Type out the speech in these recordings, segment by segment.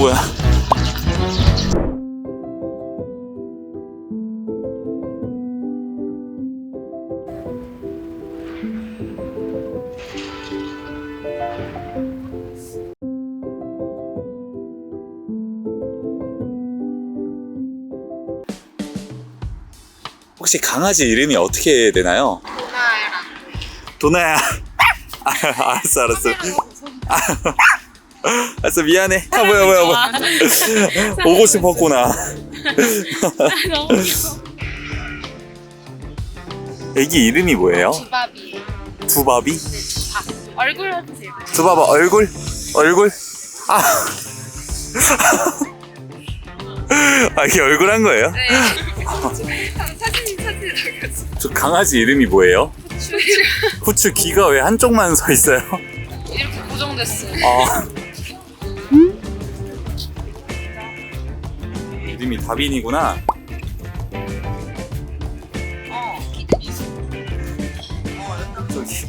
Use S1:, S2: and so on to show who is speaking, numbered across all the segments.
S1: 뭐야? 혹시 강아지 이름이 어떻게 되나요? 도나야. 알았어. 알았어, 미안해. 뭐야. 오고 싶었구나.
S2: 너무 귀여워.
S1: 애기 이름이 뭐예요?
S2: 두바비예요.
S1: 두바비?
S2: 얼굴 해주세요.
S1: 두바바 얼굴? 아. 이게 얼굴 한 거예요?
S2: 네. 사진 나갔어.
S1: 저 강아지 이름이 뭐예요? 후추 귀가 왜 한쪽만 서 있어요?
S2: 이렇게 고정됐어요.
S1: 이름이 다빈이구나. 저기.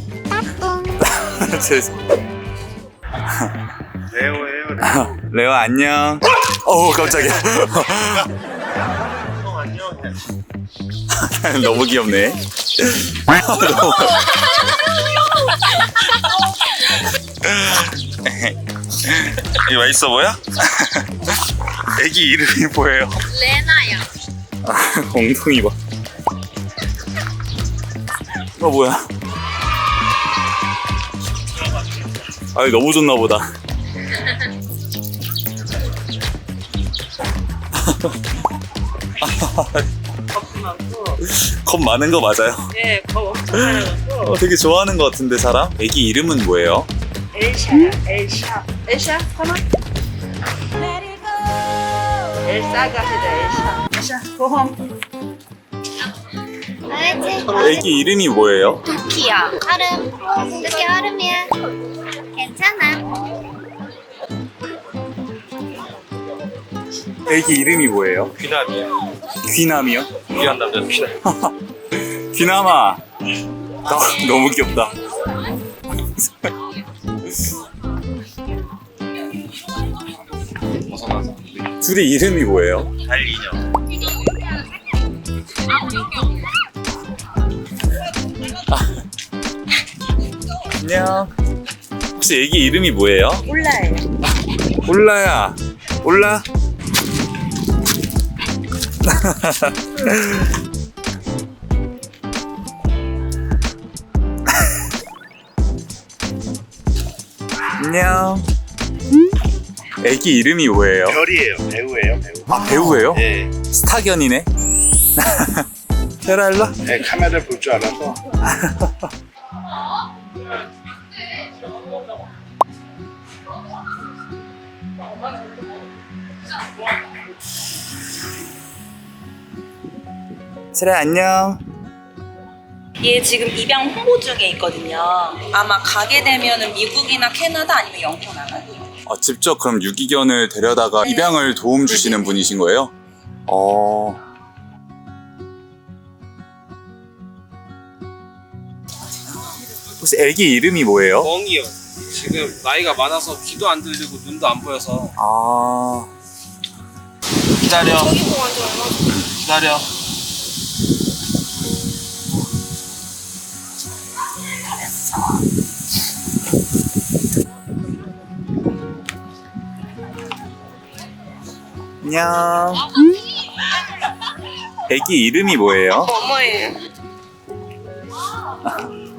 S3: 레오예요.
S1: 레오 안녕. 깜짝이야.
S3: 안녕.
S1: 너무 귀엽네.
S3: 이거 맛있어 보여? 애기 이름이 뭐예요?
S2: 레나야.
S1: 엉덩이 봐. 뭐야? 너무 좋나 보다. 겁 많은 거 맞아요?
S4: 네, 겁 엄청 많아갖고.
S1: 되게 좋아하는 거 같은데 사람? 애기 이름은 뭐예요?
S4: 엘샤야, 엘샤. 엘샤, come on. 엘사가 아니라 엘샤. 엘샤, go home.
S1: 애기 이름이 뭐예요?
S2: 토끼야.
S5: 얼음. 이렇게 얼음이야. 괜찮아.
S1: 애기 이름이 뭐예요?
S3: 귀남이에요.
S1: 귀남이요?
S3: 귀한 남자 귀남.
S1: 귀남아. 너무 귀엽다.
S3: 벗어나서.
S1: 둘이 이름이 뭐예요?
S3: 달리녀.
S1: 안녕. 혹시 애기 이름이 뭐예요?
S4: 몰라요.
S1: 올라야. 올라. 안녕. 애기 이름이 뭐예요?
S3: 별이에요. 배우예요. 배우.
S1: 배우예요?
S3: 네.
S1: 스타견이네. 테라 일로 와.
S3: 네, 카메라를 볼 줄 알아서.
S1: 테라 안녕.
S4: 얘 지금 입양 홍보 중에 있거든요. 아마 가게 되면은 미국이나 캐나다 아니면 영토 나가요.
S1: 직접 그럼 유기견을 데려다가 입양을 도움 주시는 분이신 거예요? 혹시 애기 이름이 뭐예요?
S6: 멍이요. 지금 나이가 많아서 귀도 안 들리고 눈도 안 보여서.
S3: 기다려. 기다려.
S1: 안녕. 애기 이름이 뭐예요?
S2: 어머예요.